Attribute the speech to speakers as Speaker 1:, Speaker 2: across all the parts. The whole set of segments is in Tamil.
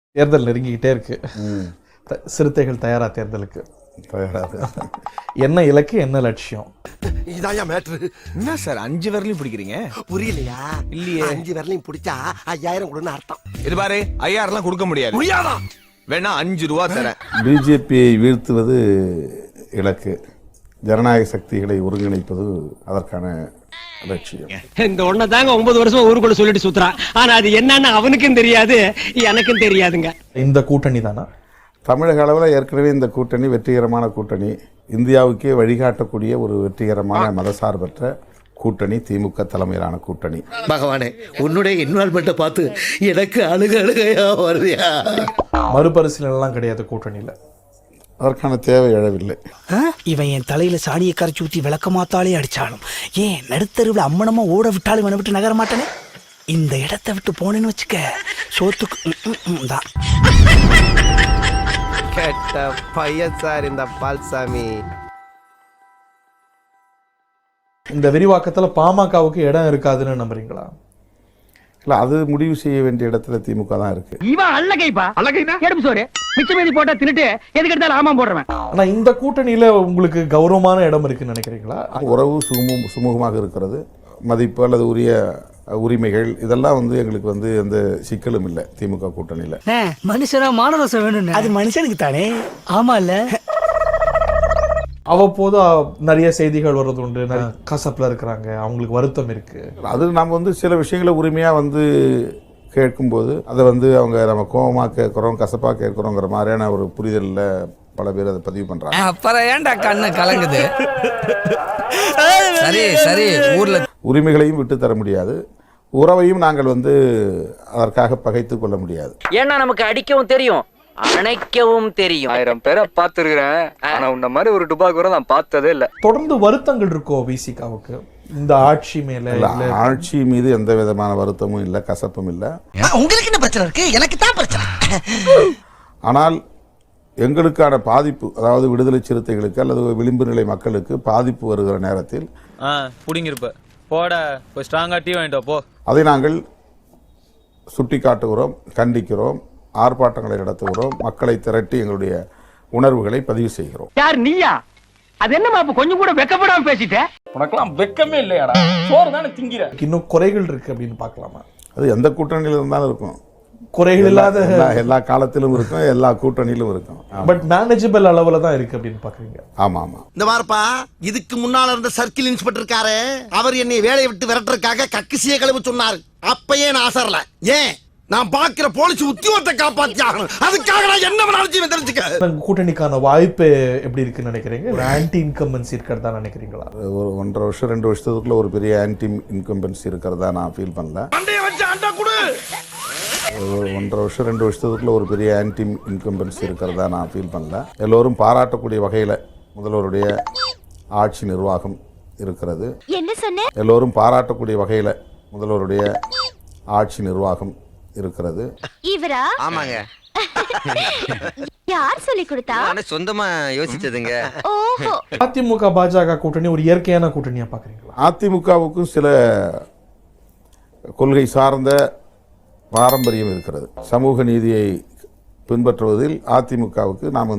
Speaker 1: தேர்தல் நெருங்கிக்கிட்டே இருக்கு. சிறுத்தைகள் தயாரா தேர்தலுக்கு? என்ன இலக்கு, என்ன லட்சியம்?
Speaker 2: இதாயா மேட்ரு.
Speaker 3: என்ன சார் 5 விரலையும் பிடிக்கிறீங்க?
Speaker 2: புரியலையா?
Speaker 3: இல்லையே.
Speaker 2: 5 விரலையும் பிடிச்சா 5000 கொடுன்னு அர்த்தம்.
Speaker 3: இது பாரு, 5000 கொடுக்க முடியாது.
Speaker 2: முடியாதா?
Speaker 3: வேணா 5 ரூபா தரேன்.
Speaker 4: பிஜேபியை வீழ்த்துவது இலக்கு, ஜனநாயக சக்திகளை ஒருங்கிணைப்பது அதற்கான லட்சியம்.
Speaker 5: இந்த ஒண்ண தாங்க 9 வருஷமா ஊருக்குள்ள சொல்லிட்டு சுத்துறான். ஆனா அது என்னன்னு அவனுக்கும் தெரியாது, எனக்கும் தெரியாதுங்க.
Speaker 1: இந்த கூட்டணி தானா?
Speaker 4: தமிழக அளவில் ஏற்கனவே இந்த கூட்டணி வெற்றிகரமான கூட்டணி, இந்தியாவுக்கே வழிகாட்டக்கூடிய ஒரு வெற்றிகரமான மதசார்பற்ற கூட்டணி, திமுக தலைமையிலான கூட்டணி.
Speaker 6: பகவானே, உன்னுடைய இன்வால்மெண்ட்டை பார்த்து எனக்கு அழுகையா வருதியா?
Speaker 1: மறுபரிசீலனைலாம் கிடையாது கூட்டணியில,
Speaker 4: அதற்கான தேவை எழவில்லை.
Speaker 7: இவன் என் தலையில சாணியை கரைச்சி ஊற்றி விளக்க மாத்தாலே அடிச்சாலும், ஏன் நடுத்தருவில் அம்மனமா ஓட விட்டாலும் இவனை விட்டு நகர மாட்டானே. இந்த இடத்தை விட்டு போனேன்னு வச்சுக்க, சோத்துக்கு தான்.
Speaker 8: கேட்ட பையன் சார் இந்த பால்சாமி.
Speaker 1: இந்த விரிவாக்கத்துல பாமகவுக்கு இடம் இருக்காதுன்னு நம்புறீங்களா?
Speaker 4: இல்ல, அது முடிவு செய்ய வேண்டிய இடத்துல திமுக தான் இருக்கு.
Speaker 5: இவன் அல்லகைப்பா, அல்லகைனா எடுப்பு சோறு மிச்ச மீதி போட்டா தின்னுட்டு எதுக்கு எடுத்தாலும் ஆமாம் போடுறவன்.
Speaker 1: ஆனா இந்த கூட்டணியில உங்களுக்கு கௌரவமான இடம் இருக்குன்னு நினைக்கிறீங்களா?
Speaker 4: உறவு சுமூகமாக இருக்கிறது, மதிப்பு அல்லது உரிய உரிமைகள் இதெல்லாம் எங்களுக்கு எந்த சிக்கலும் இல்லை திமுக கூட்டணியில.
Speaker 7: மனுஷனா மானரசம் வேணும், அது மனுஷனுக்கு தானே. ஆமா இல்ல,
Speaker 1: அவ்வப்போது நிறைய செய்திகள் வர்றது உண்டு, கசப்புல இருக்கிறாங்க, அவங்களுக்கு வருத்தம் இருக்கு.
Speaker 4: அது நம்ம சில விஷயங்களை உரிமையா கேட்கும்போது அதை அவங்க நம்ம கோபமா கேட்கிறோம், கசப்பா கேட்கிறோங்கிற மாதிரியான ஒரு புரிதல்ல பல பேர் அதை பதிவு பண்றாங்க.
Speaker 9: அப்புறம் ஏன்டா கண்ணு கலங்குது? சரி சரி, ஊர்ல
Speaker 4: உரிமைகளையும் விட்டு தர முடியாது, உறவையும் நாங்கள் அதற்காக பகைத்துக் கொள்ள முடியாது.
Speaker 10: ஏன்னா நமக்கு அடிக்கவும் தெரியும், அணைக்கவும் தெரியும்.
Speaker 11: 1000 பேரை பார்த்துருக்கிறேன், ஆனா உன்ன மாதிரி ஒரு டுபாக்கு கூட நான் பார்த்ததே இல்ல.
Speaker 1: தொடர்ந்து வருத்தங்கள் இருக்கோ விசிகாவுக்கு இந்த ஆட்சி மேல?
Speaker 4: ஆட்சி மீது எந்த விதமான வருத்தமும் இல்லை, கசப்பும் இல்லை.
Speaker 6: உங்களுக்கு என்ன பிரச்சனை இருக்கு? எனக்கு தான் பிரச்சனை.
Speaker 4: ஆனால் எங்களுக்கான பாதிப்பு, அதாவது விடுதலை சிறுத்தைகளுக்கு அல்லது விளிம்பு நிலை மக்களுக்கு பாதிப்பு வருகிற நேரத்தில்
Speaker 11: புடிங்கிருப்ப போட போய் ஸ்ட்ராங்கா டீ வாங்கிட்டு போ, அதை
Speaker 4: நாங்கள் சுட்டிக்காட்டுகிறோம், கண்டிக்கிறோம், ஆர்ப்பாட்டங்களை நடத்துகிறோம், மக்களை திரட்டி எங்களுடைய உணர்வுகளை பதிவு செய்கிறோம்.
Speaker 5: யார் நீயா? அது என்ன மாப்பு கொஞ்சம் கூட வெக்கப்படாம பேசிட்ட?
Speaker 11: உனக்கெல்லாம் வெக்கமே இல்லையாடா? சோறு தானே திங்கிற.
Speaker 1: இன்னும் குறைகள் இருக்கு அப்படின்னு பார்க்கலாமா?
Speaker 4: அது எந்த கூட்டணியில இருந்தாலும் இருக்கும்,
Speaker 1: குறைகள் இல்லாத
Speaker 4: எல்லா காலத்திலும் இருக்கும், எல்லா கூட்டணியிலும் இருக்கும்.
Speaker 1: பட் மேனேஜபிள் அளவுல தான் இருக்கு அப்படின்னு பாக்குறீங்க?
Speaker 4: ஆமா ஆமா.
Speaker 2: இந்த பாருப்பா, இதுக்கு முன்னால இருந்த சர்க்கிள் இன்ஸ்பெக்டர் இருக்காரு, அவர் என்னை வேலையை விட்டு விரட்டுறதுக்காக கக்கிசிய கழுவு சொன்னார். அப்பயே நான் அசரல. ஏன்? நான் பாக்குற போலீஸ் உத்தியோகத்தை காப்பாத்தி ஆகணும், அதுக்காக நான் என்ன வேணாலும் தெரிஞ்சுக்க.
Speaker 1: கூட்டணிக்கான வாய்ப்பு எப்படி இருக்குன்னு நினைக்கிறீங்க? ஒரு ஆன்டி இன்கம்பன்சி இருக்கிறதா நினைக்கிறீங்களா?
Speaker 4: ஒரு 1.5 வருஷம் 2 வருஷத்துக்குள்ள ஒரு பெரிய ஆன்டி இன்கம்பன்சி இருக்கிறதா நான் ஃபீல் பண்ணல. ஒரு 1.5 வருஷம் 2 வருஷத்துக்குள்ள ஒரு பெரிய ஆன்டி இன்கம்பன்சி இருக்கிறதா நான் ஃபீல் பண்ணல. எல்லோரும் பாராட்டக்கூடிய வகையில முதல்வருடைய ஆட்சி நிர்வாகம் இருக்கிறது.
Speaker 12: என்ன சொன்ன?
Speaker 4: எல்லோரும் பாராட்டக்கூடிய வகையில முதல்வருடைய ஆட்சி நிர்வாகம் இருக்கிறது.
Speaker 10: இவரா? ஆமாங்க.
Speaker 12: யார் சொல்லி கொடுத்தா?
Speaker 10: நான் சொந்தமா யோசிச்சதுங்க.
Speaker 12: ஓஹோ.
Speaker 1: அதிமுக பாஜக கூட்டணி ஒரு இயற்கையான கூட்டணியா பாக்குறீங்களா?
Speaker 4: அதிமுகவுக்கும் சில கொள்கை சார்ந்த பாரம்பரியம் இருக்கிறது. சமூக நீதியை பின்பற்றுவதில் அதிமுகவுக்கு நாம்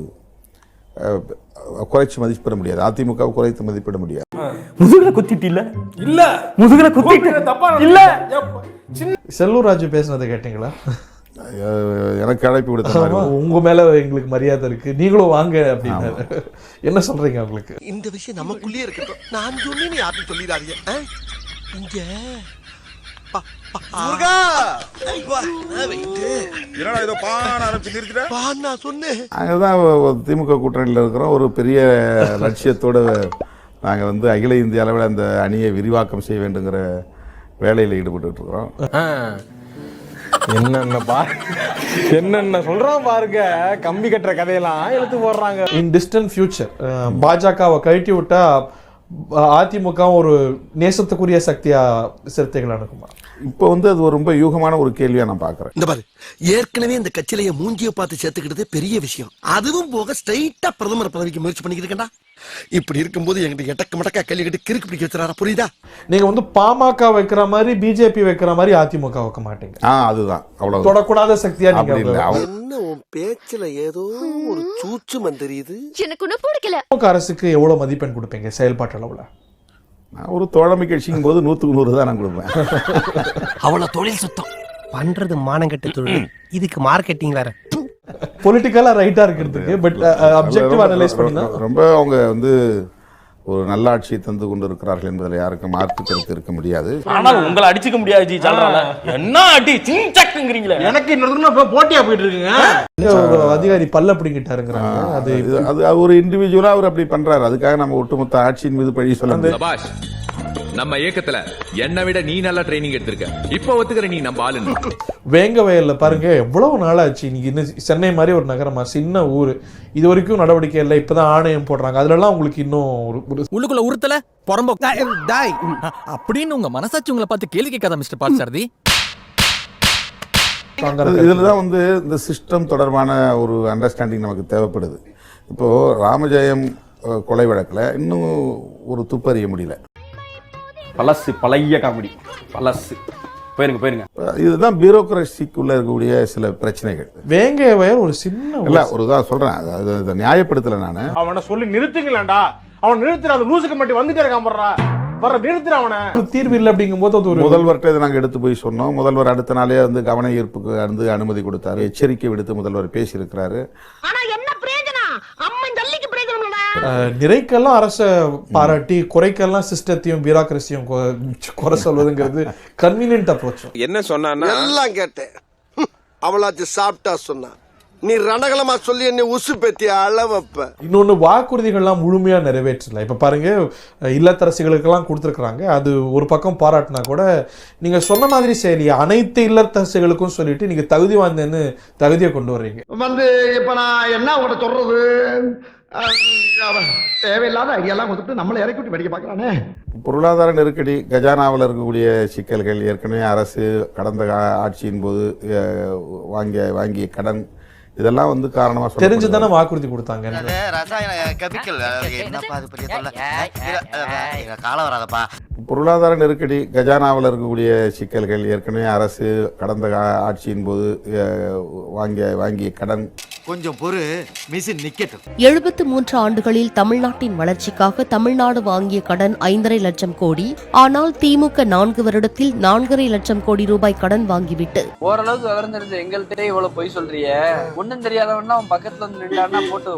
Speaker 4: குறைச்சு மதிப்பிட முடியாது, அதிமுக குறைத்து மதிப்பிட முடியாது.
Speaker 5: முதுகுல குத்திட்டு இல்ல இல்ல முதுகுல குத்திட்டு இல்ல.
Speaker 1: செல்லூர் ராஜு பேசுனதை கேட்டீங்களா?
Speaker 4: எனக்கு அழைப்பு விடுத்த
Speaker 1: உங்க மேல எங்களுக்கு மரியாதை இருக்கு, நீங்களும் வாங்க அப்படின்னு என்ன சொல்றீங்க? உங்களுக்கு
Speaker 2: இந்த விஷயம் நமக்குள்ளே இருக்கட்டும், நான் சொன்னேன்னு யாரும் சொல்லிடாதீங்க. இங்க
Speaker 4: திமுக கூட்டணியில் இருக்கிறோம். ஒரு பெரிய லட்சியத்தோட நாங்கள் அகில இந்திய அளவில் அந்த அணியை விரிவாக்கம் செய்ய வேண்டுங்கிற வேலையில் ஈடுபட்டு இருக்கிறோம்.
Speaker 3: என்னென்ன சொல்றான் பாருங்க, கம்பி கட்டுற கதையெல்லாம் எடுத்து போடுறாங்க.
Speaker 1: இன் டிஸ்டன்ட் ஃபியூச்சர் பாஜகவை கழட்டி விட்டா அதிமுக ஒரு நேசத்துக்குரிய சக்தியா சிறுத்தைகள் அணுகுமா?
Speaker 4: இப்போ அது ரொம்ப யூகமான ஒரு கேள்வியா நான் பாக்குறேன்.
Speaker 2: இந்த பாரு, ஏற்கனவே இந்த கட்சியில மூஞ்சிய பார்த்து சேர்த்துக்கிட்டதே பெரிய விஷயம். அதுவும் போக ஸ்ட்ரைட்டா பிரதமர் பதவிக்கு முயற்சி பண்ணிக்கிட்டு இருக்கேன்டா. இப்படி இருக்கும்போது எங்கிட்ட எட்டக்க மடக்கா கல்லிக்கிட்டு கிறுக்கு பிடிக்க வச்சுறாரா, புரியுதா?
Speaker 1: நீங்க வந்து பாமக வைக்கிற மாதிரி பிஜேபி வைக்கிற மாதிரி அதிமுக வைக்க மாட்டீங்க.
Speaker 4: அதுதான் அவ்வளவு
Speaker 1: தொடக்கூடாத சக்தியா
Speaker 4: அப்படி இல்லை.
Speaker 1: நீங்க
Speaker 2: என்ன உன் பேச்சுல ஏதோ ஒரு சூச்சுமம் தெரியுது.
Speaker 12: எனக்கு ஒன்னும் பிடிக்கல.
Speaker 1: திமுக அரசுக்கு எவ்வளவு மதிப்பெண் கொடுப்பீங்க செயல்பாட்டு அளவுல?
Speaker 4: நான் ஒரு தோழமை கட்சிக்கும் போது 100க்கு 100 தான் நான் கொடுப்பேன்.
Speaker 8: அவ்வளவு தொழில் சுத்தம் பண்றது மானங்கெட்ட தொழில். இதுக்கு மார்க்கெட்டிங் வேற.
Speaker 1: பொலிட்டிக்கலா ரைட்டா இருக்கிறதுக்கு பட் அப்ஜெக்டிவ் அனலைஸ் பண்ணினா
Speaker 4: ரொம்ப அவங்க வந்து ஒரு நல்ல ஆட்சியை தந்து கொண்டு இருக்கிறார்கள் என்பதில் யாருக்கும் மாற்று கருத்து இருக்க முடியாது.
Speaker 5: ஆனால் உங்களை அடிச்சுக்க முடியாது ஜி. சொல்றாங்க என்ன அடி சிங்சக்குங்கிறீங்களே. எனக்கு இன்னொரு போட்டியா போயிட்டு இருக்குங்க.
Speaker 1: ஒரு அதிகாரி பல்ல பிடிங்கிட்டாருங்கறாங்க.
Speaker 4: அது ஒரு இண்டிவிஜுவலா அவர் அப்படி பண்றாரு. அதுக்காக நம்ம ஒட்டுமொத்த ஆட்சியின் மீது பழி சொல்ல முடியாது.
Speaker 11: நம்ம இயக்கத்துல என்ன விட நீ நல்லா ட்ரைனிங் எடுத்திருக்க, இப்ப ஒத்துக்கிற நீ நம்ம ஆளுன்னு.
Speaker 1: வேங்க வயல்ல பாருங்க எவ்வளவு நாளாச்சு. இன்னைக்கு இன்னும் சென்னை மாதிரி ஒரு நகரமா, சின்ன ஊரு, இது வரைக்கும் நடவடிக்கை இல்லை. இப்பதான் ஆணையம் போடுறாங்க. அதுல எல்லாம் உங்களுக்கு இன்னும்
Speaker 5: உள்ளுக்குள்ள உறுத்தல பொறம்போ அப்படின்னு உங்க மனசாட்சி உங்களை பார்த்து கேள்வி கேட்காத மிஸ்டர் பார்த்தசாரதி.
Speaker 4: இதுலதான் வந்து இந்த சிஸ்டம் தொடர்பான ஒரு அண்டர்ஸ்டாண்டிங் நமக்கு தேவைப்படுது. இப்போ ராமஜெயம் கொலை வழக்குல இன்னும் ஒரு துப்பறிய முடியல.
Speaker 3: பழசு பழைய காமெடி பழசு. போயிருங்க.
Speaker 4: இதுதான் பியூரோக்ரசிக்குள்ள இருக்கக்கூடிய சில பிரச்சனைகள்.
Speaker 1: வேங்க வயல் ஒரு சின்ன
Speaker 4: இல்ல ஒரு தான் சொல்றேன். அது நியாயப்படுத்தல நானு.
Speaker 3: அவனை சொல்லி நிறுத்துங்களேன்டா. அவன் நிறுத்துற அந்த லூசுக்கு மட்டும் வந்துட்டே இருக்கான். வர நிறுத்துற அவனை.
Speaker 1: தீர்வு இல்லை அப்படிங்கும் போது அது ஒரு
Speaker 4: முதல்வர்கிட்ட இதை நாங்கள் எடுத்து போய் சொன்னோம். முதல்வர் அடுத்த நாளே வந்து கவன ஈர்ப்புக்கு வந்து அனுமதி கொடுத்தாரு. எச்சரிக்கை விடுத்து முதல்வர் பேசியிருக்கிறாரு.
Speaker 1: நிறைக்கெல்லாம் அரச பாராட்டி குறைக்கெல்லாம் சிஸ்டத்தையும் பியூரோக்ரசியும் குறை சொல்வதுங்கிறது கன்வீனியன்ட் அப்ரோச்.
Speaker 2: என்ன சொன்னா எல்லாம் கேட்டேன். அவளாச்சு சாப்பிட்டா சொன்னா நீ ரணகலமா சொல்லி என்ன உசு பெத்தி அளவப்ப.
Speaker 1: இன்னொன்னு வாக்குறுதிகள்லாம் முழுமையா நிறைவேற்றல. இப்ப பாருங்க இல்லத்தரசிகளுக்கெல்லாம் கொடுத்துருக்காங்க. அது ஒரு பக்கம் பாராட்டினா கூட நீங்க சொன்ன மாதிரி சரி அனைத்து இல்லத்தரசிகளுக்கும் சொல்லிட்டு நீங்க தகுதி வாய்ந்தேன்னு தகுதியை கொண்டு வர்றீங்க.
Speaker 2: வந்து இப்ப நான் என்ன உங்கள்ட்ட சொல்றது, தேவையில்லாத ஐடியாலாம் கொடுத்துட்டு நம்மளை இறக்கி விட்டு படிக்க பார்க்கறானே.
Speaker 4: பொருளாதார நெருக்கடி, கஜானாவில் இருக்கக்கூடிய சிக்கல்கள், ஏற்கனவே அரசு கடந்த ஆட்சியின் போது வாங்கிய கடன், இதெல்லாம் வந்து காரணமா
Speaker 1: தெரிஞ்சுதானே வாக்குறுதி கொடுத்தாங்க.
Speaker 4: பொருளாதார நெருக்கடி, கஜானாவில் இருக்கக்கூடிய சிக்கல்கள், ஏற்கனவே அரசு கடந்த ஆட்சியின் போது வாங்கிய கடன்.
Speaker 6: கொஞ்சம் பொறு, மிஷின் நிக்கட்டும்.
Speaker 12: 73 ஆண்டுகளில் தமிழ்நாட்டின் வளர்ச்சிக்காக தமிழ்நாடு வாங்கிய கடன் 5.5 லட்சம் கோடி. ஆனால் திமுக 4 வருடத்தில் 4.5 லட்சம் கோடி ரூபாய் கடன் வாங்கிவிட்டு
Speaker 10: ஓரளவுக்கு விவரம் தெரிஞ்ச எங்கள்கிட்ட இவ்வளவு பொய் சொல்றிய. ஒன்னும் தெரியாதவன்னா அவன் பக்கத்துல வந்து நின்றான்னா போட்டு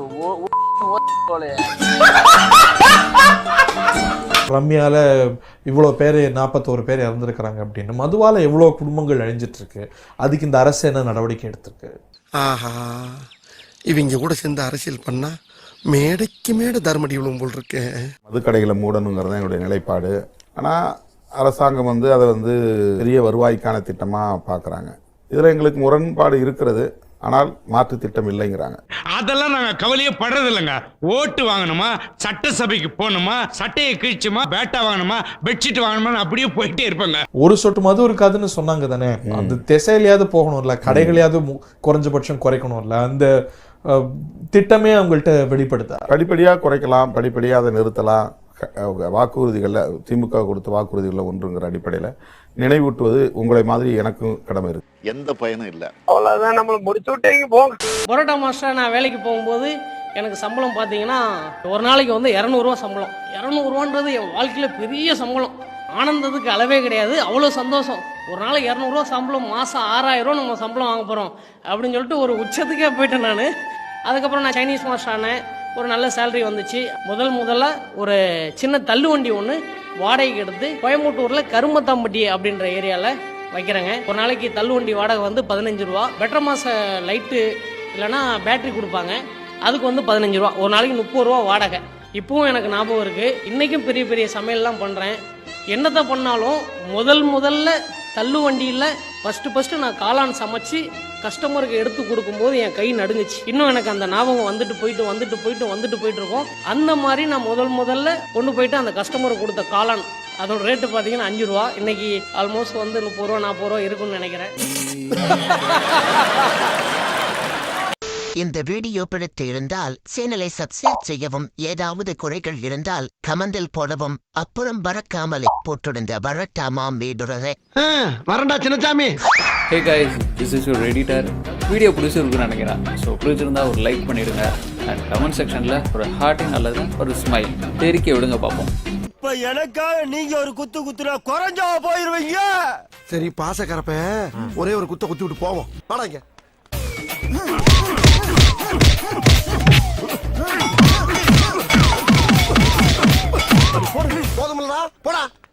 Speaker 1: ரம்யால இவ்வளோ பேர் 41 பேர் இறந்துருக்கிறாங்க அப்படின்னு. மதுவால எவ்வளோ குடும்பங்கள் அழிஞ்சிட்டு இருக்கு. அதுக்கு இந்த அரசு என்ன நடவடிக்கை எடுத்திருக்கு?
Speaker 2: ஆஹா, இவங்க கூட சேர்ந்து அரசியல் பண்ணா மேடைக்கு மேடை தர்மடி விழும் போல் இருக்கு.
Speaker 4: மதுக்கடைகளை மூடணுங்கிறது தான் என்னுடைய நிலைப்பாடு. ஆனால் அரசாங்கம் வந்து அதை வந்து பெரிய வருவாய்க்கான திட்டமாக பார்க்குறாங்க. இதில் எங்களுக்கு முரண்பாடு இருக்கிறது. ஆனால் மாற்று திட்டம் இல்லைங்கிறாங்க.
Speaker 5: அதெல்லாம் நாங்க கவலையே படுறது இல்லைங்க. ஓட்டு வாங்கணுமா, சட்டசபைக்கு போகணுமா, சட்டையை கிழிச்சுமா, பேட்டா வாங்கணுமா, பெட்ஷீட் வாங்கணுமா, அப்படியே போயிட்டே இருப்பாங்க.
Speaker 1: ஒரு சொட்டு மது இருக்காதுன்னு சொன்னாங்க தானே. அந்த திசையிலையாவது போகணும்ல, கடைகளையாவது குறைஞ்சபட்சம் குறைக்கணும்ல. அந்த திட்டமே அவங்கள்ட்ட வெளிப்படுத்த
Speaker 4: படிப்படியாக குறைக்கலாம், படிப்படியாக அதை நிறுத்தலாம். வாக்குறுதிகளில் திமுக கொடுத்த வாக்குறுதிகளில் ஒன்றுங்கிற அடிப்படையில் நினைவூட்டுவது உங்களை மாதிரி எனக்கும் கடமை இருக்கு.
Speaker 6: எந்த பயனும் இல்லை.
Speaker 8: அவ்வளவுதான், நம்மள முடிச்சு விட்டீங்க போங்க.
Speaker 5: பரோட்டா மாஸ்டர் நான் வேலைக்கு போகும்போது எனக்கு சம்பளம் பார்த்தீங்கன்னா ஒரு நாளைக்கு வந்து 200 ரூபா சம்பளம். 200 ரூபான்றது என் வாழ்க்கையில் பெரிய சம்பளம். ஆனந்தத்துக்கு அளவே கிடையாது. அவ்வளோ சந்தோஷம். ஒரு நாளைக்கு 200 ரூபா சம்பளம், மாதம் 6000 ரூபா நம்ம சம்பளம் வாங்க போகிறோம் அப்படின்னு சொல்லிட்டு ஒரு உச்சத்துக்கே போயிட்டேன் நான். அதுக்கப்புறம் நான் சைனீஸ் மாஸ்டர் ஆனேன். ஒரு நல்ல சேலரி வந்துச்சு. முதல்ல ஒரு சின்ன தள்ளு வண்டி ஒன்று வாடகைக்கு எடுத்து கோயம்புத்தூரில் கருமத்தாம்பட்டி அப்படின்ற ஏரியாவில் வைக்கிறேங்க. ஒரு நாளைக்கு தள்ளு வண்டி வாடகை வந்து 15 ரூபா. பெட்டர் மாச லைட்டு இல்லைன்னா பேட்டரி கொடுப்பாங்க, அதுக்கு வந்து 15 ரூபா. ஒரு நாளைக்கு 30 ரூபா வாடகை. இப்பவும் எனக்கு ஞாபகம் இருக்குது. இன்றைக்கும் பெரிய பெரிய சமையல்லாம் பண்ணுறேன். என்னத்தை பண்ணாலும் முதல்ல தள்ளு வண்டியில் ஃபஸ்ட்டு நான் காளான் சமைச்சு கஸ்டமருக்கு எடுத்து கொடுக்கும்போது என் கை நடுங்குச்சு. இன்னும் எனக்கு அந்த ஞாபகம் வந்துட்டு போயிட்டு இருக்கோம். அந்த மாதிரி நான் முதல்ல கொண்டு போயிட்டு அந்த கஸ்டமருக்கு கொடுத்த காளான், அதோட ரேட்டு பார்த்தீங்கன்னா 5 ரூபா. இன்னைக்கு ஆல்மோஸ்ட் வந்து 30 ரூபா 40 ரூபா இருக்குன்னு நினைக்கிறேன்.
Speaker 6: இந்த வீடியோ பிடித்து இருந்தால் சேனலை சப்ஸ்கிரைப் செய்யவும், ஏதாவது குறைகள் இருந்தால் கமெண்டில் போடவும், அப்புறம் மறக்காமலே போட்டிருந்த வரட்டாமாம் வீடுறதை
Speaker 2: வரண்டா Chinnasamy.
Speaker 9: Hey guys, this is your editor. Video பிடிச்சிருக்குன்னு நினைக்கிறேன். ஸோ பிடிச்சிருந்தா ஒரு லைக் பண்ணிடுங்க அண்ட் கமெண்ட் செக்ஷனில் ஒரு ஹார்ட்டிங் அல்லது ஒரு ஸ்மைல் தெரிக்க விடுங்க பார்ப்போம்.
Speaker 2: இப்ப எனக்காக நீங்க ஒரு குத்து குத்துனா குறைஞ்சா போயிருவீங்க. சரி பாசக்கரப்ப ஒரே ஒரு குத்த குத்தி விட்டு போவோம். வாடாங்க.